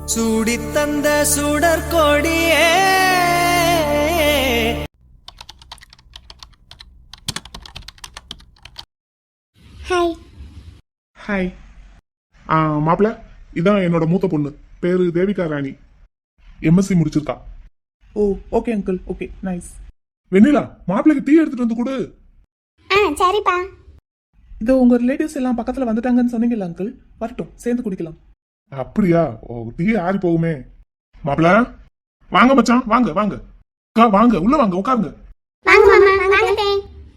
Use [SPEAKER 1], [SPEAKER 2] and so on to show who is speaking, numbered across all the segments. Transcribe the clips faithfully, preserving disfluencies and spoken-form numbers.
[SPEAKER 1] சூடி தந்த சுடற்கொடியே.
[SPEAKER 2] Hi.
[SPEAKER 3] Hi. ஆ மாப்பிள்ள, இதான் என்னோட மூத்த பொண்ணு, பேரு தேவிகா ராணி, எம்எஸ்சி முடிச்சிருக்கா.
[SPEAKER 4] Oh okay uncle, okay nice.
[SPEAKER 3] Vennila, மாப்பிள்ளைக்கு டீ எடுத்துட்டு வந்து கொடு.
[SPEAKER 2] ஆ சரிப்பா.
[SPEAKER 4] இதோ உங்க ரிலேட்டிவ்ஸ் எல்லாம் பக்கத்துல வந்துட்டாங்கன்னு சொன்னீங்கல்ல அங்கிள், வரட்டும் சேர்ந்து குடிக்கலாம்.
[SPEAKER 3] அப்படியா? ஓ, டீ ஆறி போகுமே. மாப்பிள்ள வாங்க மச்சான், வாங்க வாங்க அக்கா, வாங்க உள்ள வாங்க, உட்காருங்க.
[SPEAKER 2] வாங்க மாமா, வாங்கட்டே.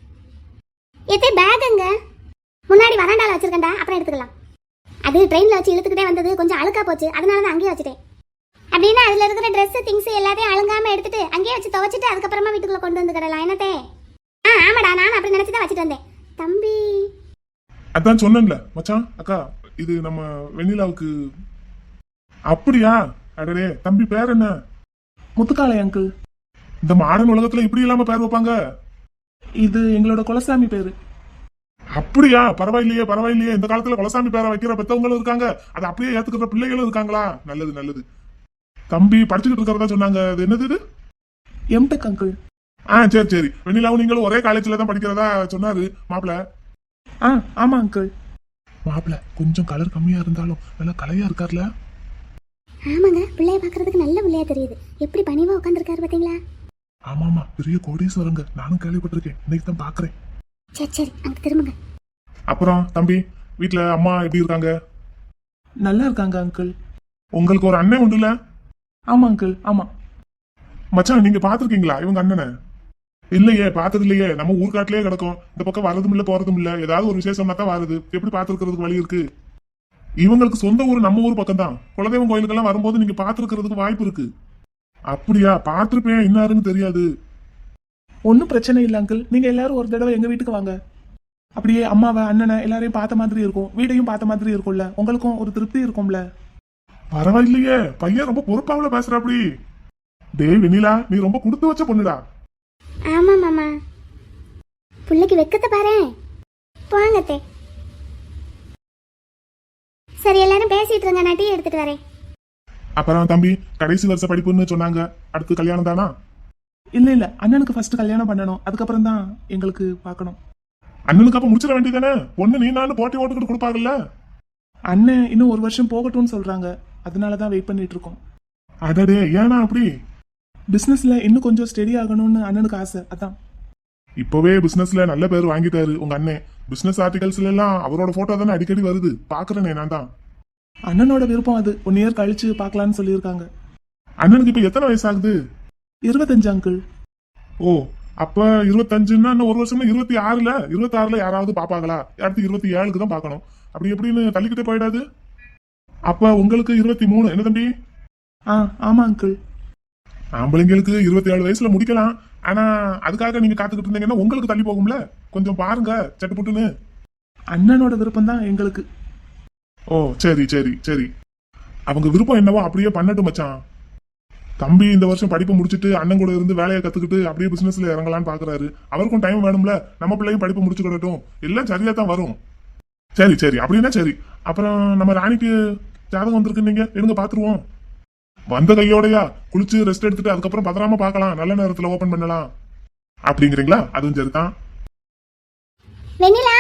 [SPEAKER 2] எதே பேக் அங்க முன்னாடி வராண்டால வச்சிருக்கேன்டா, அப்புறம் எடுத்துக்கலாம். அது ட்ரெயின்ல வச்சு இழுத்துக்கிட்டே வந்தது, கொஞ்சம் அழுக்கா போச்சு, அதனால தான் அங்கேயே வச்சுட்டேன். அப்படின்னா அதுல இருக்கிற ட்ரெஸ் திங்ஸ் எல்லாத்தையும் அழுங்காம எடுத்துட்டு அங்கேயே வச்சு துவைச்சிட்டு அதுக்கப்புறமா வீட்டுக்குள்ள கொண்டு வந்து கிடலாம். என்னத்தே? ஆ ஆமாடா, நான் அப்படி நினைச்சுதான் வச்சுட்டு வந்தேன். தம்பி
[SPEAKER 3] அதான் சொன்னேன்ல மச்சான், அக்கா இது நம்ம வெண்ணிலாவுக்கு. அப்படியா? அடடே, தம்பி பேர் என்ன?
[SPEAKER 4] முத்துக்காலை அங்கிள்.
[SPEAKER 3] இந்த மாடர்ன் உலகத்துல இப்படி இல்லாம பேர் வைப்பாங்க?
[SPEAKER 4] இது எங்களோட குலசாமி பேரு.
[SPEAKER 3] அப்படியா? பரவாயில்லையே பரவாயில்லையே, இந்த காலத்துல குலசாமி பேரை வைக்கிற பெத்தவங்களும் இருக்காங்க, அதை அப்படியே ஏத்துக்கிற பிள்ளைகளும் இருக்காங்களா? நல்லது நல்லது. தம்பி படிச்சுக்கிட்டு இருக்கிறதா சொன்னாங்க, அது என்னது இது?
[SPEAKER 4] MTech uncle.
[SPEAKER 3] ஆ சரி சரி. வெண்ணிலாவும் நீங்களும் ஒரே காலேஜ்ல தான் படிக்கிறதா சொன்னாரு மாப்பிள்ள.
[SPEAKER 4] ஆ ஆமா அங்கிள்.
[SPEAKER 3] மாப்பிள்ள கொஞ்சம் கலர் கம்மியா இருந்தாலும் நல்லா கலையா இருக்கார்ல?
[SPEAKER 2] ஆமாங்க, பிள்ளைய பாக்குறதுக்கு நல்ல பிள்ளையா தெரியுது. எப்படி பணிவா உட்காந்துருக்காரு பாத்தீங்களா?
[SPEAKER 3] ஆமா ஆமா, பெரிய கோடீஸ்வரங்க, நானும் கேள்விப்பட்டிருக்கேன், இன்னைக்கு தான் பாக்குறேன்.
[SPEAKER 2] சரி சரி, அங்க திரும்புங்க.
[SPEAKER 3] அப்புறம் தம்பி, வீட்டுல அம்மா எப்படி இருக்காங்க?
[SPEAKER 4] நல்லா இருக்காங்க அங்கிள்.
[SPEAKER 3] உங்களுக்கு ஒரு அண்ணன் உண்டுல?
[SPEAKER 4] ஆமா அங்கிள், ஆமா.
[SPEAKER 3] மச்சான், நீங்க பாத்துருக்கீங்களா இவங்க அண்ணனை? இல்லையே, பார்த்தது இல்லையே. நம்ம ஊர்காட்டிலேயே கிடக்கும், இந்த பக்கம் வரதும் இல்ல போறதும் இல்ல. ஏதாவது ஒரு விசேஷம்னா தான் வருது, எப்படி பாத்துருக்கிறதுக்கு வழி இருக்கு? இவங்களுக்கு சொந்த ஊர் நம்ம ஊர் பக்கம் தான். குலதெய்வம் கோயிலுக்கெல்லாம் வரும்போது நீங்க பாத்துருக்கிறதுக்கு வாய்ப்பு இருக்கு. அப்படியா? பாத்திருப்பேன், என்னாருன்னு தெரியாது.
[SPEAKER 4] ஒன்னும் பிரச்சனை இல்லை அங்கிள், நீங்க எல்லாரும் ஒரு தடவை எங்க வீட்டுக்கு வாங்க. அப்படியே அம்மாவை அண்ணனை எல்லாரையும் பார்த்த மாதிரி இருக்கும், வீடையும் பார்த்த மாதிரி இருக்கும்ல, உங்களுக்கும் ஒரு திருப்தி இருக்கும்ல.
[SPEAKER 3] பரவாயில்லையே, பையன் ரொம்ப பொறுப்பாவில பேசுற. அப்படி டேய் வெண்ணிலா, நீ ரொம்ப கொடுத்து வச்ச பொண்ணுடா.
[SPEAKER 2] ஆமா மாமா, பிள்ளைக்கு வெக்கத்தை பாரு. போங்கத்தே. சரி, எல்லாரும் பேசிட்டு இருங்க, நான் டீ எடுத்துட்டு வரேன்.
[SPEAKER 3] அப்புறம் தம்பி, கடைசி வருஷ படிப்புன்னு சொன்னாங்க, அடுத்து கல்யாணம் தானா?
[SPEAKER 4] இல்ல இல்ல, அண்ணனுக்கு ஃபர்ஸ்ட் கல்யாணம் பண்ணணும், அதுக்கப்புறம் தான் எங்களுக்கு பார்க்கணும்.
[SPEAKER 3] அண்ணனுக்கு அப்ப முடிச்சிட வேண்டியதானே? பொண்ணு நீ நானும் போட்டி ஓட்டுக்கிட்டு கொடுப்பாங்கல்ல.
[SPEAKER 4] அண்ணன் இன்னும் ஒரு வருஷம் போகட்டும்னு சொல்றாங்க, அதனாலதான் வெயிட் பண்ணிட்டு இருக்கோம்.
[SPEAKER 3] அடடே, ஏன்னா அப்படி?
[SPEAKER 4] பிசினஸ்ல இன்னும் கொஞ்சம் ஸ்டெடி ஆகணும்னு அண்ணனுக்கு ஆசை, அதான்.
[SPEAKER 3] இப்பவே பிசினஸ்ல நல்ல பேர் வாங்கிட்டாரு உங்க அண்ணன். பிசினஸ் ஆர்டிகல்ஸ்ல எல்லாம் அவரோட போட்டோ தானே அடிக்கடி வருது, பாக்குறேனே நான் தான்.
[SPEAKER 4] அண்ணனோட விருப்பம் அது, ஒன் இயர் கழிச்சு பாக்கலாம்னு சொல்லியிருக்காங்க.
[SPEAKER 3] அண்ணனுக்கு இப்ப எத்தனை வயசு ஆகுது?
[SPEAKER 4] இருபத்தஞ்சு அங்கிள்.
[SPEAKER 3] ஓ, அப்ப இருபத்தஞ்சுன்னா இன்னும் ஒரு வருஷம் இருபத்தி ஆறுல இருபத்தி ஆறுல யாராவது பாப்பாங்களா? அடுத்து இருபத்தி ஏழுக்கு தான் பாக்கணும். அப்படி எப்படின்னு தள்ளிக்கிட்டே போயிடாது. அப்ப உங்களுக்கு இருபத்தி மூணு என்ன தம்பி?
[SPEAKER 4] ஆ ஆமா அங்கிள்.
[SPEAKER 3] ஆம்பளைங்களுக்கு இருபத்தி ஏழு வயசுல முடிக்கலாம், ஆனா அதுக்காக நீங்க காத்துக்கிட்டு இருந்தீங்கன்னா உங்களுக்கு தள்ளி போகும்ல. கொஞ்சம் பாருங்க சட்டுப்புட்டுன்னு.
[SPEAKER 4] அண்ணனோட விருப்பம் தான் எங்களுக்கு.
[SPEAKER 3] ஓ சரி சரி சரி, அவங்க விருப்பம் என்னவோ அப்படியே பண்ணட்டும் மச்சான். தம்பி இந்த வருஷம் படிப்பு முடிச்சுட்டு அண்ணன் கூட இருந்து வேலையை கத்துக்கிட்டு அப்படியே பிசினஸ்ல இறங்கலான்னு பாக்குறாரு. அவருக்கும் டைம் வேணும்ல, நம்ம பிள்ளையும் படிப்பு முடிச்சுக்கிடட்டும், எல்லாம் சரியா தான் வரும். சரி சரி, அப்படின்னா சரி. அப்புறம் நம்ம ராணிக்கு ஜாதகம் வந்திருக்கு, நீங்க எடுங்க பாத்துருவோம். வந்த கையோடையா குளிச்சு ரெஸ்ட் எடுத்துட்டு அதுக்கப்புறம் பத்திரமா பாக்கலாம், நல்ல நேரத்துல ஓபன் பண்ணலாம் அப்படிங்கிறீங்களா? அதுவும் சரிதான்.
[SPEAKER 2] வெண்ணிலா,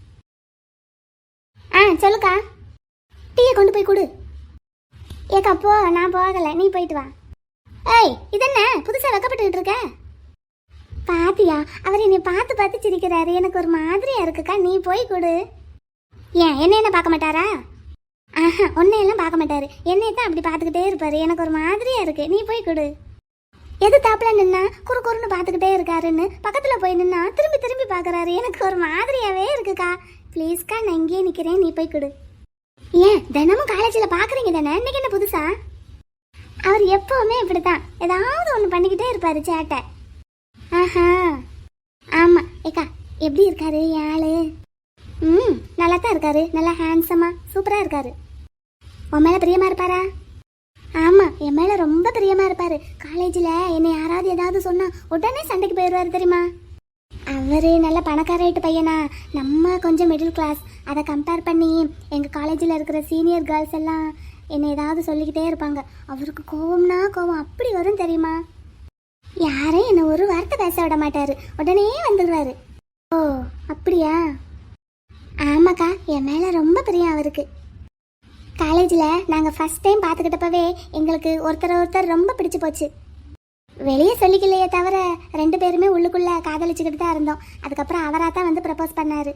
[SPEAKER 2] ஆ சொல்லுக்கா. டீயை கொண்டு போய் கொடு. ஏக்கா போ, நான் போகல, நீ போயிட்டு வா. ஏய், இதென்ன புதுசா வெக்கப்பட்டுக்கிட்டு இருக்க? பாத்தியா, அவர் என்னை பார்த்து பார்த்து சிரிக்கிறாரு, எனக்கு ஒரு மாதிரியா இருக்குக்கா, நீ போய் கொடு. ஏன் என்ன என்ன பார்க்க மாட்டாரா? ஆஹா, ஒன்னையெல்லாம் பார்க்க மாட்டாரு, என்னை தான் அப்படி பார்த்துக்கிட்டே இருப்பாரு, எனக்கு ஒரு மாதிரியா இருக்கு, நீ போய் கொடு. எது தாப்புல நின்னா குறு குறுன்னு பார்த்துக்கிட்டே இருக்காருன்னு பக்கத்துல போய் நின்னா திரும்பி திரும்பி பார்க்கறாரு, எனக்கு ஒரு மாதிரியாவே இருக்குக்கா. ப்ளீஸ்க்கா, நான் இங்கேயே நிக்கிறேன், நீ போய் கொடு. ஏன் தினமும் காலேஜில் பார்க்குறீங்க தானே, இன்னைக்கு என்ன புதுசா? அவர் எப்பவுமே இப்படித்தான், ஏதாவது ஒன்று பண்ணிக்கிட்டே இருப்பாரு சேட்டை. ஆஹா ஆமா. ஏக்கா எப்படி இருக்காரு ஆளு? ம் நல்லா தான் இருக்காரு, நல்லா ஹேண்ட்ஸமா சூப்பரா இருக்காரு. உன் மேல பிரியமா இருப்பாரா? ஆமா, என் மேல ரொம்ப பிரியமா இருப்பாரு. காலேஜில் என்னை யாராவது ஏதாவது சொன்னா உடனே சண்டைக்கு போயிடுவாரு தெரியுமா? அவரு நல்ல பணக்காரட்டு பையனா, நம்ம கொஞ்சம் மிடில் கிளாஸ். அதை கம்பேர் பண்ணி எங்கள் காலேஜில் இருக்கிற சீனியர் கேர்ள்ஸ் எல்லாம் என்னை ஏதாவது சொல்லிக்கிட்டே இருப்பாங்க. அவருக்கு கோவம்னா கோவம் அப்படி வரும் தெரியுமா? யாரையும் என்னை ஒரு வார்த்தை பேச விட மாட்டாரு, உடனே வந்துடுவாரு. ஓ அப்படியா? ஆமாக்கா, என் மேலே ரொம்ப பிரியம் அவருக்கு. காலேஜில் நாங்கள் ஃபஸ்ட் டைம் பார்த்துக்கிட்டப்பவே எங்களுக்கு ஒருத்தர் ஒருத்தர் ரொம்ப பிடிச்சி போச்சு. வெளியே சொல்லிக்கலையே தவிர ரெண்டு பேருமே உள்ளுக்குள்ளே காதலிச்சுக்கிட்டு தான் இருந்தோம். அதுக்கப்புறம் அவராக தான் வந்து ப்ரப்போஸ் பண்ணார்.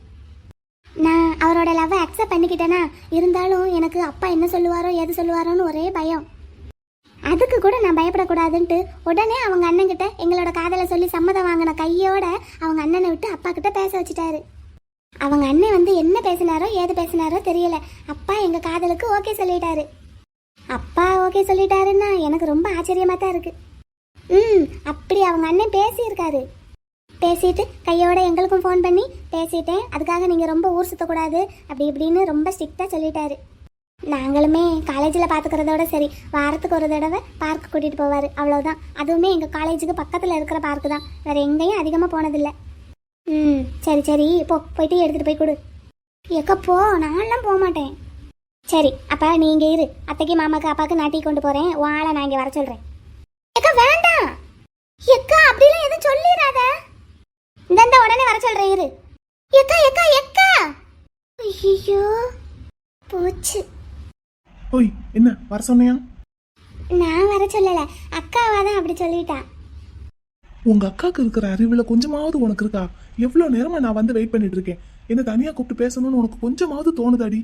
[SPEAKER 2] நான் அவரோட லவ்வை அக்செப்ட் பண்ணிக்கிட்டேனா, இருந்தாலும் எனக்கு அப்பா என்ன சொல்லுவாரோ எது சொல்லுவாரோன்னு ஒரே பயம். அதுக்கு கூட நான் பயப்படக்கூடாதுன்ட்டு உடனே அவங்க அண்ணன்கிட்ட எங்களோட காதலை சொல்லி சம்மதம் வாங்கின கையோட அவங்க அண்ணனை விட்டு அப்பா கிட்ட பேச வச்சுட்டாரு. அவங்க அண்ணன் வந்து என்ன பேசினாரோ ஏது பேசினாரோ தெரியல, அப்பா எங்கள் காதலுக்கு ஓகே சொல்லிட்டாரு. அப்பா ஓகே சொல்லிட்டாருன்னா எனக்கு ரொம்ப ஆச்சரியமாக தான் இருக்கு. ம் அப்படி அவங்க அண்ணன் பேசியிருக்காரு. பேசிட்டு கையோட எங்களுக்கும் ஃபோன் பண்ணி பேசிட்டேன், அதுக்காக நீங்கள் ரொம்ப ஊர் சுற்றக்கூடாது அப்படி இப்படின்னு ரொம்ப ஸ்ட்ரிக்டாக சொல்லிட்டாரு. நாங்களுமே காலேஜில் பார்த்துக்கிறதோட சரி, வாரத்துக்கு ஒரு தடவை பார்க்கு கூட்டிகிட்டு போவார், அவ்வளோதான். அதுவுமே எங்கள் காலேஜுக்கு பக்கத்தில் இருக்கிற பார்க்கு தான், வேறு எங்கேயும் அதிகமாக போனதில்லை. ம் சரி சரி போ, போயிட்டு எடுத்துகிட்டு போய் கொடு. எக்கா போ, நான்லாம் போக மாட்டேன். சரி அப்போ நீ இங்கே இரு, அத்தைக்கு மாமாக்கு அப்பாவுக்கு நான் டீ கொண்டு போகிறேன், உன் ஆளை நான் இங்கே வர சொல்கிறேன். எக்கா வேண்டாம் எக்கா, அப்படிலாம் எதுவும் சொல்லிடாத. இந்த உடனே வர சொல்கிறேன் இரு. எக்கா எக்கா எக்கா, ஐயோ போச்சு.
[SPEAKER 4] ஓய் என்ன வர சொன்னியா?
[SPEAKER 2] நான் வர சொல்லலை, அக்காவா தான் அப்படி சொல்லிட்டா.
[SPEAKER 4] உங்க அக்காவுக்கு இருக்கிற அறிவுல கொஞ்சமாவது உனக்கு இருக்கா? எவ்வளவு நேரமா நான் வந்து வெயிட் பண்ணிட்டு இருக்கேன், என்ன தனியா கூப்பிட்டு பேசணும்னு உனக்கு கொஞ்சமாவது தோணுதாடி?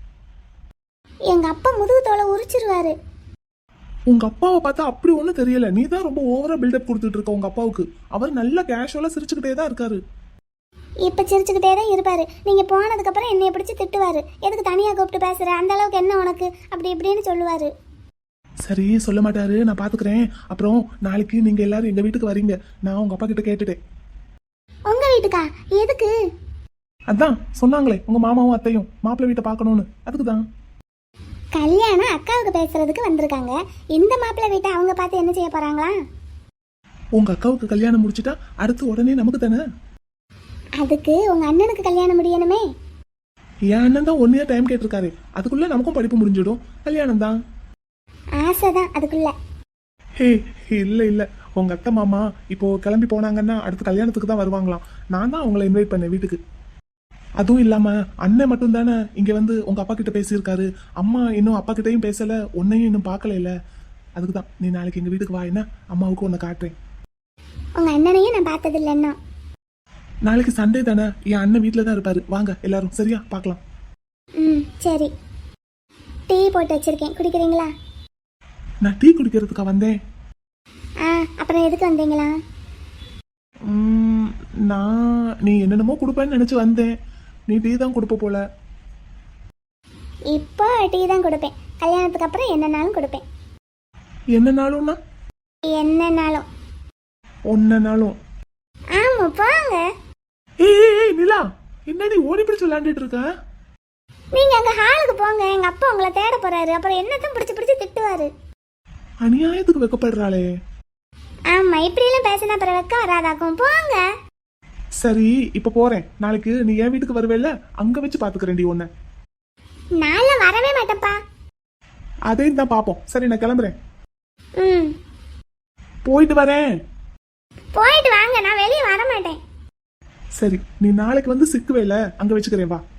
[SPEAKER 2] எங்க அப்பா முதுகு தோலை உரிச்சிருவாரு.
[SPEAKER 4] உங்க அப்பாவை பார்த்தா அப்படி ஒன்றும் தெரியல, நீ தான் ரொம்ப ஓவரா பில்டப் கொடுத்துட்டு இருக்க உங்க அப்பாவுக்கு. அவர் நல்லா கேஷுவலா சிரிச்சுக்கிட்டே தான் இருக்காரு.
[SPEAKER 2] இப்ப சிரிச்சுக்கிட்டே தான் இருப்பாரு, நீங்க போனதுக்கு அப்புறம் என்னைய பிடிச்சி திட்டுவாரு. எதுக்கு தனியா கூப்பிட்டு பேசுற, அந்த அளவுக்கு என்ன உனக்கு, அப்படி இப்படின்னு சொல்லுவாரு.
[SPEAKER 4] சரி சொல்ல மாட்டாரு, நான் பாத்துக்கிறேன். அப்புறம் நாளைக்கு நீங்க எல்லாரும் எங்க வீட்டுக்கு வரீங்க, நான் உங்க அப்பா கிட்ட கேட்டுட்டேன்.
[SPEAKER 2] உங்க வீட்டுக்கா? எதுக்கு?
[SPEAKER 4] அதான் சொன்னாங்களே உங்க மாமாவும் அத்தையும் மாப்பிள்ளை வீட்டை பார்க்கணும்னு, அதுக்கு தான்.
[SPEAKER 2] கல்யாணம் அக்காவுக்கு பேசுறதுக்கு வந்திருக்காங்க, இந்த மாப்பிள்ளை வீட்டை அவங்க பார்த்து என்ன செய்ய போறாங்களா?
[SPEAKER 4] உங்க அக்காவுக்கு கல்யாணம் முடிச்சிட்டா அடுத்து உடனே நமக்கு தானே.
[SPEAKER 2] அதுக்கு உங்க அண்ணனுக்கு கல்யாணம் முடியணுமே.
[SPEAKER 4] என் அண்ணன் தான் ஒன் இயர் டைம் கேட்டிருக்காரு, அதுக்குள்ள நமக்கும் படிப்பு முடிஞ்சிடும், கல்யாணம் தான்.
[SPEAKER 2] ஆசைதான் அதுக்குள்ள.
[SPEAKER 4] ஹே இல்ல இல்ல, உங்க அத்தை மாமா இப்போ கிளம்பி போனாங்கன்னா அடுத்த கல்யாணத்துக்கு தான் வருவாங்களாம். நான் தான் அவங்கள இன்வைட் பண்ணேன் வீட்டுக்கு. அதுவும் இல்லாம அண்ணன் மட்டும் தானே இங்க வந்து உங்க அப்பா கிட்ட பேசியிருக்காரு, அம்மா இன்னும் அப்பா கிட்டையும் பேசல, உன்னையும் இன்னும் பார்க்கல இல்ல. அதுக்கு தான் நீ நாளைக்கு எங்க வீட்டுக்கு வா, என்ன அம்மாவுக்கு உன்னை காட்டுறேன்.
[SPEAKER 2] உங்க அண்ணனையும் நான் பார்த்தது இல்லைன்னா.
[SPEAKER 4] நாளைக்கு சண்டே தானே, என் அண்ணன் வீட்டில் தான் இருப்பாரு, வாங்க எல்லாரும் சரியா பார்க்கலாம்.
[SPEAKER 2] ம் சரி, டீ போட்டு வச்சிருக்கேன், குடிக்கிறீங்களா?
[SPEAKER 4] நான் டீ குடிக்கிறதுக்கா வந்தேன்?
[SPEAKER 2] ஆ அப்புறம் எதுக்கு வந்தீங்களா?
[SPEAKER 4] ம், நான் நீ என்னென்னமோ கொடுப்பேன்னு நினைச்சு வந்தேன், நீ டீ தான் கொடுப்ப போல.
[SPEAKER 2] இப்போ டீ தான் கொடுப்பேன், கல்யாணத்துக்கு அப்புறம் என்னன்னாலும் கொடுப்பேன்.
[SPEAKER 4] என்னனாலும்னா?
[SPEAKER 2] என்னன்னாலும்.
[SPEAKER 4] ஒன்னனாலும்?
[SPEAKER 2] ஆமா போங்க.
[SPEAKER 4] ஏய் ஏய், ஏய் நிலா, என்னடி ஓடி பிடிச்சு விளையாண்டுட்டு இருக்க?
[SPEAKER 2] நீங்க அங்க ஹாலுக்கு போங்க, எங்க அப்பா உங்களை தேட போறாரு, அப்புறம் என்னத்தான் பிடிச்சு பிடிச்சு திட்டுவாரு.
[SPEAKER 4] அநியாயத்துக்கு வெக்கப்படுறாளே.
[SPEAKER 2] ஆமா இப்படியெல்லாம் பேசினா அப்புறம் வெக்க வராதாக்கும், போங்க.
[SPEAKER 4] சரி இப்ப போறேன், நாளைக்கு நீ என் வீட்டுக்கு வருவேல்ல, அங்க வச்சு பாத்துக்கிறேன்டி உன்னை.
[SPEAKER 2] நாளை வரவே மாட்டேப்பா.
[SPEAKER 4] அதையும் தான் பாப்போம். சரி நான் கிளம்புறேன்.
[SPEAKER 2] ம்
[SPEAKER 4] போயிட்டு வரேன்.
[SPEAKER 2] போயிட்டு வாங்க, நான் வெளியே வர மாட்டேன்.
[SPEAKER 4] சரி நீ நாளைக்கு வந்து சிக்குவேல, அங்க வச்சுக்கிறேன் வா.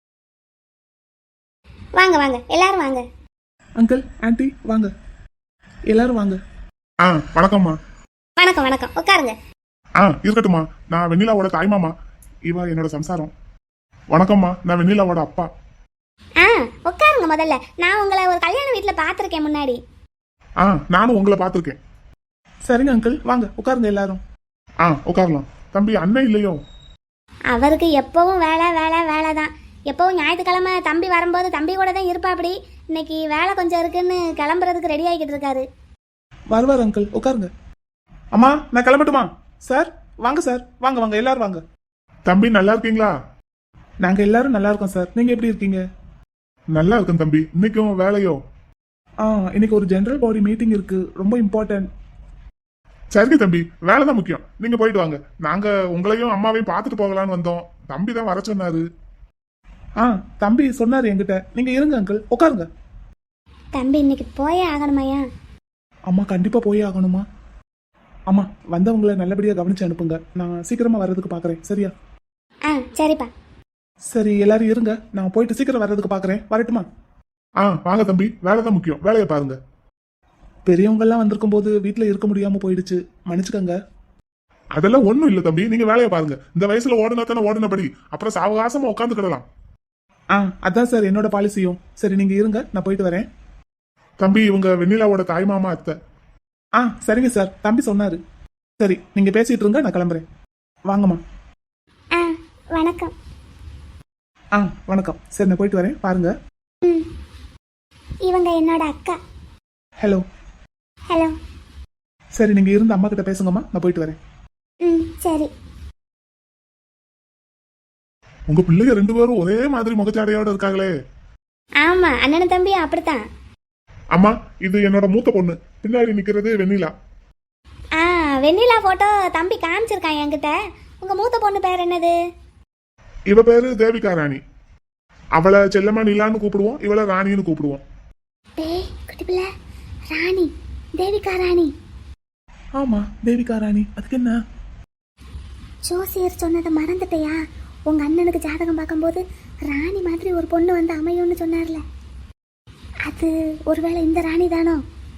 [SPEAKER 2] வாங்க வாங்க எல்லாரும் வாங்க.
[SPEAKER 4] அங்கிள் ஆன்ட்டி வாங்க, எல்லாரும் வாங்க.
[SPEAKER 3] ஆ வணக்கம்மா.
[SPEAKER 2] வணக்கம் வணக்கம், உட்காருங்க.
[SPEAKER 3] ஆ இருக்கட்டும்மா, நான் வெண்ணிலாவோட தாய்மாமா, இவ என்னோட சம்சாரம். வணக்கம்மா, நான் வெண்ணிலாவோட அப்பா.
[SPEAKER 2] ஆ உட்காருங்க முதல்ல, நான் உங்களை ஒரு கல்யாண வீட்டில் பார்த்துருக்கேன் முன்னாடி.
[SPEAKER 3] ஆ நானும் உங்களை பார்த்துருக்கேன்.
[SPEAKER 4] சரிங்க அங்கிள் வாங்க உட்காருங்க எல்லாரும்.
[SPEAKER 3] ஆ உட்காரலாம். தம்பி அண்ணன் இல்லையோ?
[SPEAKER 2] அவருக்கு எப்பவும் வேலை வேலை வேலை தான். எப்பவும் ஞாயிற்றுக்கிழமை தம்பி வரும்போது தம்பி கூட தான் இருப்பாப்படி. இன்னைக்கு வேலை கொஞ்சம் இருக்குன்னு கிளம்புறதுக்கு ரெடி ஆகிக்கிட்டு இருக்காரு.
[SPEAKER 4] வருவார் அங்கிள், உட்காருங்க. அம்மா நான் கிளம்பட்டுமா? சார் வாங்க சார், வாங்க வாங்க எல்லாரும் வாங்க.
[SPEAKER 3] தம்பி நல்லா இருக்கீங்களா?
[SPEAKER 4] நாங்க எல்லாரும் நல்லா இருக்கோம் சார், நீங்க எப்படி இருக்கீங்க?
[SPEAKER 3] நல்லா இருக்கேன் தம்பி. இன்னைக்கும் வேலையோ?
[SPEAKER 4] ஆ இன்னைக்கு ஒரு ஜெனரல் பாடி மீட்டிங் இருக்கு, ரொம்ப இம்பார்ட்டன்ட்.
[SPEAKER 3] சரிங்க தம்பி, வேலை தான் முக்கியம், நீங்க போயிட்டு வாங்க. நாங்க உங்களையும் அம்மாவையும் பார்த்துட்டு போகலான்னு வந்தோம், தம்பி தான் வர சொன்னாரு.
[SPEAKER 4] ஆ தம்பி சொன்னாரு என்கிட்ட, நீங்க இருங்க அங்கிள் உட்காருங்க.
[SPEAKER 2] தம்பி இன்னைக்கு போயே ஆகணுமாயா?
[SPEAKER 4] அம்மா கண்டிப்பா போயே ஆகணுமா? அம்மா வந்தவங்களை நல்லபடியா கவனிச்சு அனுப்புங்க. நான் சீக்கிரமா வர்றதுக்கு பாக்குறேன். சரியா?
[SPEAKER 2] ஆ சரிப்பா.
[SPEAKER 4] சரி எல்லாரும் இருங்க, நான் போயிட்டு சீக்கிரம் வர்றதுக்கு பாக்குறேன். வரட்டுமா?
[SPEAKER 3] ஆ வாங்க தம்பி, வேலை தான் முக்கியம், வேலையை பாருங்க.
[SPEAKER 4] பெரியவங்க எல்லாம் வந்திருக்கும் போது வீட்டுல இருக்க முடியாம போயிடுச்சு, மன்னிச்சுக்கங்க.
[SPEAKER 3] அதெல்லாம் ஒண்ணும் இல்ல தம்பி, நீங்க வேலையை பாருங்க. இந்த வயசுல ஓடுனா தானே ஓடுனபடி, அப்புறம் சாவகாசமா உட்காந்துக்கிடலாம்.
[SPEAKER 4] ஆ அதான் சார் என்னோட பாலிசியும். சரி நீங்க இருங்க, நான் போயிட்டு வரேன்.
[SPEAKER 3] தம்பி இவங்க வெண்ணிலாவோட தாய் மாமா அத்தை.
[SPEAKER 4] ஆ சரிங்க சார், தம்பி சொன்னாரு. சரி நீங்க பேசிட்டு இருங்க, நான் கிளம்புறேன். வாங்கம்மா.
[SPEAKER 2] ஆ வணக்கம்.
[SPEAKER 4] ஆ வணக்கம். சரி நான் போயிட்டு வரேன், பாருங்க.
[SPEAKER 2] ம் இவங்க என்னோட அக்கா.
[SPEAKER 4] ஹலோ.
[SPEAKER 2] ஹலோ.
[SPEAKER 4] சரி நீங்க இருந்து அம்மா கிட்ட பேசுங்கம்மா, நான் போயிட்டு வரேன்.
[SPEAKER 2] ம் சரி.
[SPEAKER 3] உங்க பிள்ளைங்க ரெண்டு பேரும் ஒரே மாதிரி முகச்சாடையோட இருக்காங்களே.
[SPEAKER 2] ஆமா அண்ணன் தம்பி அப்படித்தான்.
[SPEAKER 3] அம்மா இது என்னோட மூத்த பொண்ணு, பின்னாடி நிக்கிறது வெண்ணிலா.
[SPEAKER 2] ஆ வெண்ணிலா போட்டோ தம்பி காமிச்சிருக்கான் என்கிட்ட. உங்க மூத்த பொண்ணு பேர் என்னது?
[SPEAKER 3] இவ பேரு தேவிகா ராணி. அவளை செல்லம்மா நிலான்னு கூப்பிடுவோம், இவளை ராணின்னு கூப்பிடுவோம்.
[SPEAKER 2] டேய் குட்டி பிள்ளை, ராணி, தேவிகா ராணி.
[SPEAKER 4] ஆமா தேவிகா ராணி, அதுக்கு என்ன?
[SPEAKER 2] ஜோசியர் சொன்னதை மறந்துட்டியா? உங்க அண்ணனுக்கு ஜாதகம் பார்க்கும்போது ராணி மாதிரி ஒரு பொண்ணு வந்து அமையும்னு சொன்னார்ல, அது ஒருவேளை இந்த ராணி தானோ?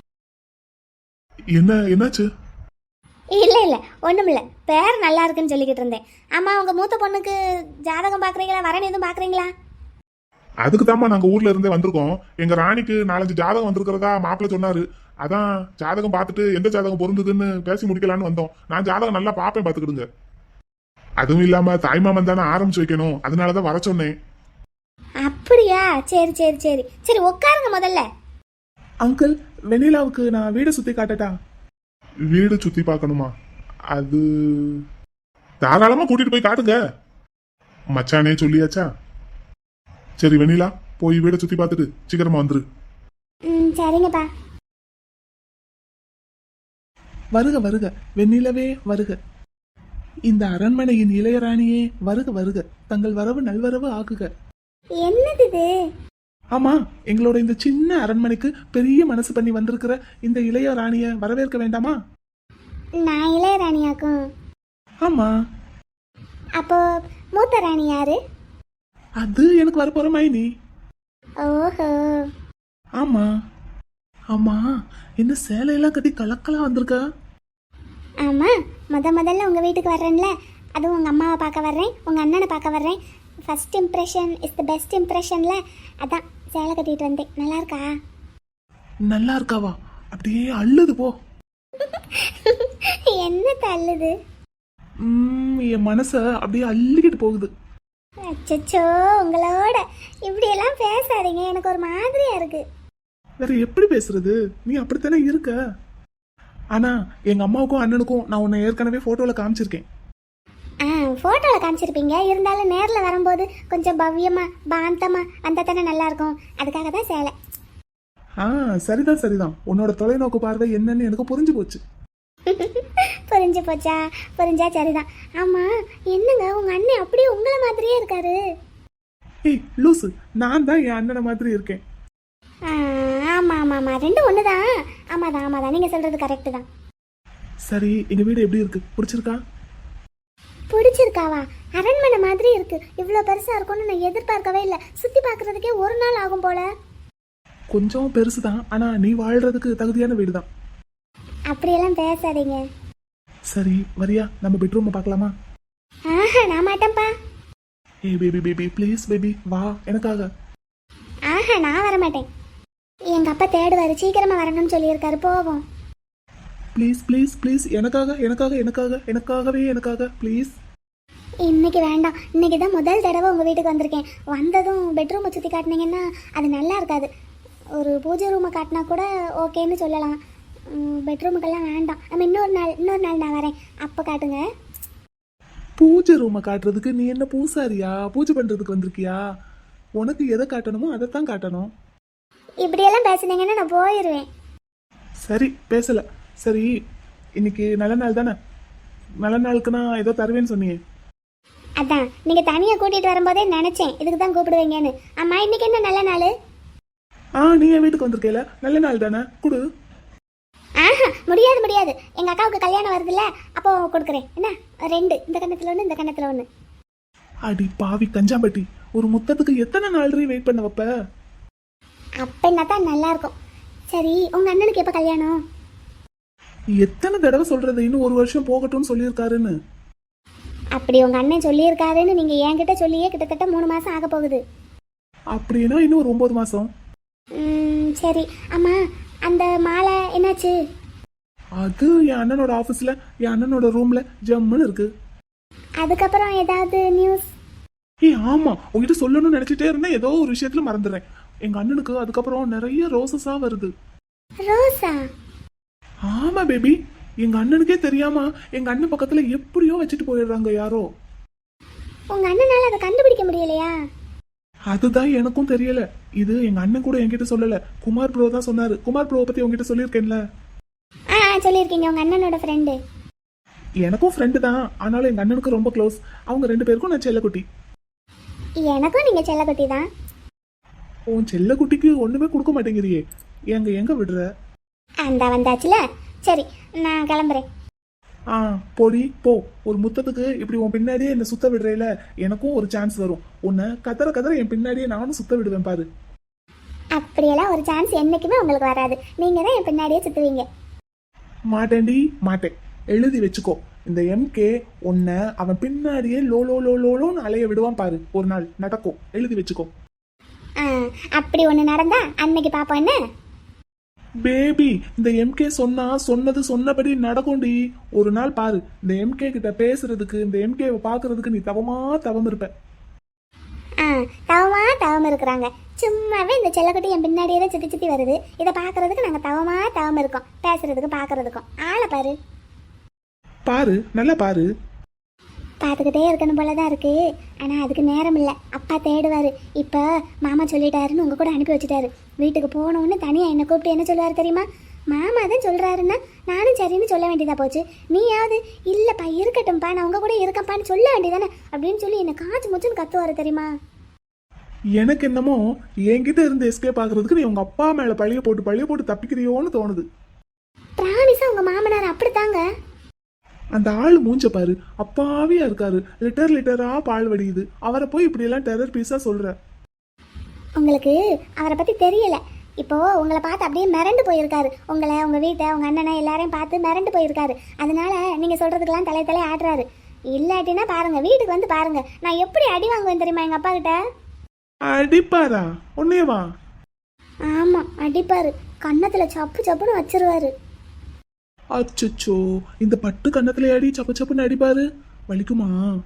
[SPEAKER 3] என்ன என்னாச்சு?
[SPEAKER 2] இல்ல இல்ல ஒண்ணுமில்ல, பேர் நல்லா இருக்குன்னு சொல்லிக்கிட்டு இருந்தேன். ஆமா உங்க மூத்த பொண்ணுக்கு ஜாதகம் பாக்குறீங்களா, வரன் எதுவும் பாக்குறீங்களா?
[SPEAKER 3] அதுக்கு தாம்மா நாங்க ஊர்ல இருந்தே வந்திருக்கோம். எங்க ராணிக்கு நாலஞ்சு ஜாதகம் வந்திருக்கிறதா மாப்பிள்ள சொன்னாரு. அதான் ஜாதகம் பார்த்துட்டு எந்த ஜாதகம் பொருந்ததுன்னு பேசி முடிக்கலான்னு வந்தோம். நான் ஜாதகம் நல்லா பாப்பேன், பாத்துக்கிடுங்க. அதுவும் இல்லாம தாய்மாமன் தானே ஆரம்பிச்சு வைக்கணும், அதனாலதான் வர சொன்னேன்.
[SPEAKER 2] அப்படியா? சரி சரி சரி சரி உட்காருங்க முதல்ல.
[SPEAKER 4] அங்கிள் வெண்ணிலாவுக்கு நான் வீடு சுத்தி காட்டட்டா?
[SPEAKER 3] வீடு சுத்தி பார்க்கணுமா? அது தாராளமா கூட்டிட்டு போய் காட்டுங்க. மச்சானே சொல்லியாச்சா? சரி வெண்ணிலா, போய் வீடை சுத்தி பார்த்துட்டு சீக்கிரமா வந்துரு.
[SPEAKER 2] ம் சரிங்கப்பா.
[SPEAKER 4] வருக வருக வெண்ணிலவே வருக. இந்த அரண்மனையின் இளையராணியே வருக வருக. தங்கள் வரவு நல்வரவு ஆக்குக.
[SPEAKER 2] என்னது இது?
[SPEAKER 4] ஆமா, எங்களோட இந்த சின்ன அரண்மனைக்கு பெரிய மனசு பண்ணி வந்திருக்கிற இந்த இளைய ராணிய வரவேற்க வேண்டாமா?
[SPEAKER 2] நான் இளையராணியாக்கும்.
[SPEAKER 4] ஆமா.
[SPEAKER 2] அப்போ மூத்த ராணி யாரு?
[SPEAKER 4] அது எனக்கு வரப்போற மைனி.
[SPEAKER 2] ஓஹோ.
[SPEAKER 4] ஆமா ஆமா, என்ன சேலையெல்லாம் கட்டி கலக்கலா வந்திருக்கா?
[SPEAKER 2] ஆமா, முத முதல்ல உங்க வீட்டுக்கு வர்றேன்ல, அதுவும் உங்க அம்மாவை பார்க்க வர்றேன், உங்க அண்ணனை பார்க்க வர்றேன். First impression is the best இம்ப்ரெஷன்ல, அதான் சேலை கட்டிட்டு வந்தேன். நல்லா இருக்கா?
[SPEAKER 4] நல்லா இருக்காவா? அப்படியே அள்ளுது போ.
[SPEAKER 2] என்ன தள்ளுது?
[SPEAKER 4] ம், என் மனச அப்படியே அள்ளிக்கிட்டு போகுது.
[SPEAKER 2] அச்சச்சோ, உங்களோட இப்படியெல்லாம் பேசாதீங்க, எனக்கு ஒரு மாதிரியா இருக்கு.
[SPEAKER 4] வேற எப்படி பேசுறது? நீ அப்படித்தானே இருக்க. ஆனா எங்க அம்மாவுக்கும் அண்ணனுக்கும் நான் உன்னை ஏற்கனவே போட்டோல காமிச்சிருக்கேன்.
[SPEAKER 2] ஆ ஃபோட்டோவில் காமிச்சிருப்பீங்க, இருந்தாலும் நேரில் வரும்போது கொஞ்சம் பவ்யமா பாந்தமா வந்தால் தானே நல்லா இருக்கும், அதுக்காக தான் சேலை.
[SPEAKER 4] ஆ சரிதான் சரிதான், உன்னோட தொலைநோக்கு பார்வை என்னன்னு எனக்கு புரிஞ்சு போச்சு.
[SPEAKER 2] புரிஞ்சு போச்சா? புரிஞ்சா சரிதான். ஆமாம் என்னங்க, உங்கள் அண்ணன் அப்படியே உங்களை மாதிரியே இருக்காரு.
[SPEAKER 4] ஏய் லூசு, நான் தான் என் அண்ணனை மாதிரி இருக்கேன்.
[SPEAKER 2] ஆமாம் ஆமாம் ஆமாம், ரெண்டும் ஒன்று தான். ஆமாம் தான் ஆமாம் தான், நீங்கள் சொல்கிறது கரெக்டு தான்.
[SPEAKER 4] சரி எங்க வீடு எப்படி இருக்கு? பிடிச்சிருக்கா?
[SPEAKER 2] பிடிச்சிருக்காவா? அரண்மனை மாதிரி இருக்கு. இவ்வளோ பெருசாக இருக்கும்னு நான் எதிர்பார்க்கவே இல்லை. சுற்றி பார்க்குறதுக்கே ஒரு நாள் ஆகும் போல.
[SPEAKER 4] கொஞ்சம் பெருசு தான், ஆனா நீ வாழ்றதுக்கு தகுதியான வீடு தான்.
[SPEAKER 2] அப்படியெல்லாம் பேசாதீங்க.
[SPEAKER 4] சரி வரியா, நம்ம பெட்ரூம் பார்க்கலாமா?
[SPEAKER 2] ஆஹா நான் மாட்டேன்ப்பா.
[SPEAKER 4] ஏய் பேபி பேபி ப்ளீஸ் பேபி வா எனக்காக.
[SPEAKER 2] ஆஹா நான் வர மாட்டேன். எங்க அப்பா தேடுவாரு, சீக்கிரமா வரணும்னு சொல்லியிருக்காரு, போவோம்.
[SPEAKER 4] ப்ளீஸ் ப்ளீஸ் ப்ளீஸ் எனக்காக எனக்காக எனக்காக எனக்காகவே எனக்காக ப்ளீஸ்.
[SPEAKER 2] இன்னைக்கு வேண்டாம், இன்னைக்கு தான் முதல் தடவை உங்கள் வீட்டுக்கு வந்திருக்கேன். வந்ததும் பெட்ரூமை சுற்றி காட்டினீங்கன்னா அது நல்லா இருக்காது. ஒரு பூஜை ரூமை காட்டினா கூட ஓகேன்னு சொல்லலாம். பெட்ரூமுக்கெல்லாம் வேண்டாம். நம்ம இன்னொரு நாள் இன்னொரு நாள் நான் வரேன், அப்போ காட்டுங்க.
[SPEAKER 4] பூஜை ரூமை காட்டுறதுக்கு நீ என்ன பூசாரியா? பூஜை பண்ணுறதுக்கு வந்திருக்கியா? உனக்கு எதை காட்டணுமோ அதைத்தான் காட்டணும்.
[SPEAKER 2] இப்படியெல்லாம் பேசுனீங்கன்னா நான் போயிடுவேன்.
[SPEAKER 4] சரி பேசல. சரி இன்னைக்கு நல்ல நாள் தானே? நல்ல நாளுக்கு நான் ஏதோ தருவேன்னு சொன்னியே.
[SPEAKER 2] அதான் நீங்கள் தனியாக கூட்டிகிட்டு வரும்போதே நினச்சேன் இதுக்கு தான் கூப்பிடுவீங்கன்னு. ஆமாம் இன்னைக்கு என்ன நல்ல நாள்?
[SPEAKER 4] ஆ நீ என் வீட்டுக்கு வந்திருக்கேல, நல்ல நாள் தானே, குடு.
[SPEAKER 2] ஆஹா முடியாது முடியாது, எங்க அக்காவுக்கு கல்யாணம் வருதுல்ல, அப்போ கொடுக்குறேன். என்ன ரெண்டு, இந்த கண்ணத்துல ஒன்று, இந்த கண்ணத்துல ஒன்று.
[SPEAKER 4] அடி பாவி கஞ்சாம்பட்டி, ஒரு முத்தத்துக்கு எத்தனை நாள் வெயிட் பண்ண வைப்ப?
[SPEAKER 2] அப்ப தான் நல்லா இருக்கும். சரி, உங்க அண்ணனுக்கு எப்ப கல்யாணம்?
[SPEAKER 4] எத்தனை தடவை சொல்றது, இன்னும் ஒரு வருஷம் போகட்டும்னு சொல்லியிருக்காருன்னு.
[SPEAKER 2] அப்படி உங்க அண்ணன் சொல்லியிருக்காருன்னு நீங்க என்கிட்ட சொல்லியே கிட்டத்தட்ட மூணு மாசம் ஆக போகுது.
[SPEAKER 4] அப்படின்னா இன்னும் ஒரு ஒன்பது மாசம்.
[SPEAKER 2] ம், சரி. அம்மா, அந்த மாலை என்னாச்சு?
[SPEAKER 4] அது என் அண்ணனோட ஆபீஸ்ல, என் அண்ணனோட ரூம்ல ஜம்முன்னு இருக்கு.
[SPEAKER 2] அதுக்கப்புறம் ஏதாவது நியூஸ்?
[SPEAKER 4] ஏய் ஆமா, உங்ககிட்ட சொல்லணும்னு நினைச்சிட்டே இருந்தேன், ஏதோ ஒரு விஷயத்துல மறந்துடுறேன். எங்க அண்ணனுக்கு அதுக்கப்புறம் நிறைய ரோசஸா வருது.
[SPEAKER 2] ரோசா?
[SPEAKER 4] ஆமா பேபி, எங்க அண்ணனுக்கே தெரியாம எங்க அண்ணன் பக்கத்துல எப்படியோ வச்சுட்டு போயிடுறாங்க யாரோ.
[SPEAKER 2] உங்க அண்ணனால அதை கண்டுபிடிக்க முடியலையா?
[SPEAKER 4] அதுதான் எனக்கும் தெரியல. இது எங்க அண்ணன் கூட என்கிட்ட சொல்லல, குமார் ப்ரோ தான் சொன்னாரு. குமார் ப்ரோவை பத்தி உங்ககிட்ட சொல்லியிருக்கேன்ல.
[SPEAKER 2] ஆ ஆ, சொல்லியிருக்கீங்க, உங்க அண்ணனோட ஃப்ரெண்டு.
[SPEAKER 4] எனக்கும் ஃப்ரெண்டு தான், ஆனாலும் எங்க அண்ணனுக்கு ரொம்ப க்ளோஸ். அவங்க ரெண்டு பேருக்கும் நான் செல்லக்குட்டி.
[SPEAKER 2] எனக்கும் நீங்க செல்லக்குட்டி தான்.
[SPEAKER 4] உன் செல்லக்குட்டிக்கு ஒண்ணுமே கொடுக்க மாட்டேங்கிறியே, எங்க எங்க விடுற?
[SPEAKER 2] அந்த வந்தாச்சுல. சரி, நான் கிளம்புறேன்.
[SPEAKER 4] ஆ போடி போ. ஒரு முத்தத்துக்கு இப்படி உன் பின்னாடியே என்ன சுத்த விடுறேல, எனக்கும் ஒரு சான்ஸ் வரும். உன்னை கதற கதற என் பின்னாடியே நானும் சுத்த விடுவேன் பாரு.
[SPEAKER 2] அப்படியெல்லாம் ஒரு சான்ஸ் என்னைக்குமே உங்களுக்கு வராது. நீங்க தான் என் பின்னாடியே சுத்துவீங்க.
[SPEAKER 4] மாட்டேன்டி மாட்டேன், எழுதி வச்சுக்கோ. இந்த எம்கே உன்னை அவன் பின்னாடியே லோ லோ லோ லோன்னு அலைய விடுவான் பாரு, ஒரு நாள் நடக்கும், எழுதி வச்சுக்கோ.
[SPEAKER 2] ஆ, அப்படி ஒன்று நடந்தா அன்னைக்கு பாப்போம். என்ன
[SPEAKER 4] பேபி, இந்த எம்கே சொன்னா சொன்னது சொன்னபடி நடக்கும்டி. ஒரு நாள் பாரு, இந்த எம்கே கிட்ட பேசுறதுக்கு, இந்த எம்கேவை பாக்குறதுக்கு நீ தவமா தவம் இருப்ப.
[SPEAKER 2] ஆ, தவமா தவம் இருக்கிறாங்க. சும்மாவே இந்த செல்லக்குட்டி என் பின்னாடியே தான் சுத்தி சுத்தி வருது. இதை பாக்குறதுக்கு நாங்க தவமா தவம் இருக்கோம், பேசுறதுக்கு பாக்குறதுக்கும். ஆளை பாரு
[SPEAKER 4] பாரு, நல்லா பாரு.
[SPEAKER 2] பார்த்துக்கிட்டே இருக்கணும் போலதான் இருக்கு. ஆனா அதுக்கு நேரம் இல்லை. அப்பா தேடுவாரு. இப்போ மாமா சொல்லிட்டாருன்னு உங்க கூட அனுப்பி வச்சுட்டாரு. வீட்டுக்கு போனோன்னு தனியா என்ன கூப்பிட்டு என்ன சொல்லுவாரு தெரியுமா? மாமா தான் சொல்றாருன்னா நானும் சரின்னு சொல்ல வேண்டியதா போச்சு. நீயாவது இல்லப்பா இருக்கட்டும்ப்பா, நான் உங்க கூட இருக்கப்பான்னு சொல்ல வேண்டியதானே அப்படின்னு சொல்லி என்ன காய்ச்சி முச்சுன்னு கத்துவாரு தெரியுமா?
[SPEAKER 4] எனக்கு என்னமோ என்கிட்ட இருந்து எஸ்கேப் ஆகுறதுக்கு நீ உங்க அப்பா மேல பழிய போட்டு பழிய போட்டு தப்பிக்கிறியோன்னு தோணுது.
[SPEAKER 2] பிராமிஸா உங்க மாமனார் அப்படித்தாங்க.
[SPEAKER 4] அந்த ஆள் மூஞ்ச பாரு, அப்பாவியா இருக்காரு. லிட்டர் லிட்டரா பால் வடியுது. அவரை போய் இப்படி எல்லாம் டெரர் பீஸா சொல்ற.
[SPEAKER 2] உங்களுக்கு அவரை பத்தி தெரியல. இப்போ உங்களை பார்த்து அப்படியே மிரண்டு போயிருக்காரு. உங்களை, உங்க வீட்டை, உங்க அண்ணனை எல்லாரையும் பார்த்து மிரண்டு போயிருக்காரு. அதனால நீங்க சொல்றதுக்கெல்லாம் தலை தலை ஆடுறாரு. இல்லாட்டினா பாருங்க, வீட்டுக்கு வந்து பாருங்க, நான் எப்படி அடி வாங்குவேன் தெரியுமா எங்க அப்பா கிட்ட?
[SPEAKER 4] அடிப்பாரா? உன்னையவா?
[SPEAKER 2] ஆமா, அடிப்பாரு. கன்னத்துல சப்பு சப்புன்னு வச்சிருவாரு.
[SPEAKER 4] அச்சோ, இந்த பட்டு கன்னத்துல அடி சப்பு சப்புன்னு அடிப்பாரு, வலிக்குமா?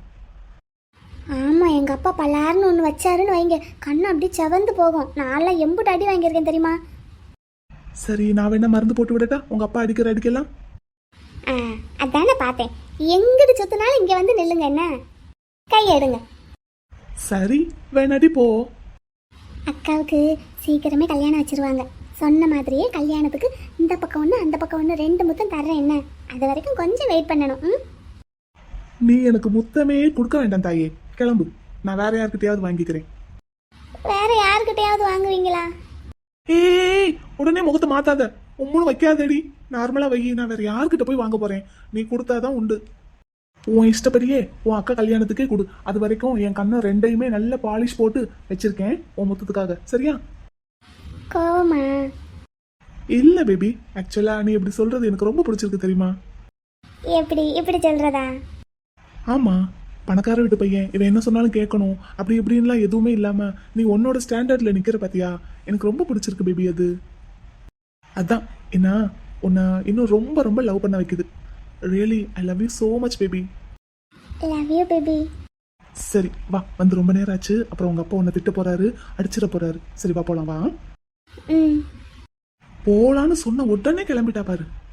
[SPEAKER 2] ஆமா, எங்க அப்பா பல்லாருன்னு ஒண்ணு வச்சாருன்னு வைங்க, கண்ணு அப்படி செவந்து போகும். நான்லாம் எம்புட்டு அடி வாங்கியிருக்கேன் தெரியுமா?
[SPEAKER 4] சரி, நான் வேணா மருந்து போட்டு விடட்டா உங்க அப்பா அடிக்கிற அடிக்கலாம்?
[SPEAKER 2] ஆ, அதானே பார்த்தேன். எங்கிட்டு சுத்தினாலும் இங்க வந்து நில்லுங்க. என்ன கை எடுங்க.
[SPEAKER 4] சரி, வேணாடி போ.
[SPEAKER 2] அக்காவுக்கு சீக்கிரமே கல்யாணம் வச்சிருவாங்க. சொன்ன மாதிரியே கல்யாணத்துக்கு இந்த பக்கம் ஒன்று அந்த பக்கம் ஒன்று ரெண்டு முத்தம் தர்றேன். என்ன அது வரைக்கும் கொஞ்சம் வெயிட் பண்ணணும். ம்,
[SPEAKER 4] நீ எனக்கு முத்தமே கொடுக்க வேண்டாம் தாயே, கிளம்பு. நான் வேற யார்கிட்டயாவது வாங்கிக்கிறேன்.
[SPEAKER 2] வேற யாருக்கிட்டையாவது வாங்குவீங்களா?
[SPEAKER 4] ஏய், உடனே முகத்தை மாத்தாத, உம்முன்னு வைக்காதடி, நார்மலா வை. நான் வேற யார்கிட்ட போய் வாங்க போறேன்? நீ கொடுத்தாதான் உண்டு. உன் இஷ்டப்படியே உன் அக்கா கல்யாணத்துக்கே கொடு. அது வரைக்கும் என் கண்ணை ரெண்டையுமே நல்ல பாலிஷ் போட்டு வச்சிருக்கேன் உன் முத்தத்துக்காக, சரியா?
[SPEAKER 2] கோவமா?
[SPEAKER 4] இல்ல பேபி, ஆக்சுவலா நீ இப்படி சொல்றது எனக்கு ரொம்ப பிடிச்சிருக்கு தெரியுமா?
[SPEAKER 2] எப்படி இப்படி சொல்றதா?
[SPEAKER 4] ஆமா, பணக்கார வீட்டு பையன், இவன் என்ன சொன்னாலும் கேட்கணும், அப்படி இப்படின்லாம் எதுவுமே இல்லாம நீ உன்னோட ஸ்டாண்டர்ட்ல நிக்கிற பாத்தியா, எனக்கு ரொம்ப பிடிச்சிருக்கு பேபி. அது அதான் என்ன உன்னை இன்னும் ரொம்ப ரொம்ப லவ் பண்ண வைக்குது. Really I love you so much baby.
[SPEAKER 2] Love you baby.
[SPEAKER 4] சரி வா, வந்து ரொம்ப நேரம் ஆச்சு. அப்புறம் உங்க அப்பா உன்னை திட்ட போறாரு, அடிச்சிட போறாரு. சரி வா போலாம், வா.
[SPEAKER 2] ம்,
[SPEAKER 4] போலான்னு சொன்ன உடனே கிளம்பிட்டா பாரு.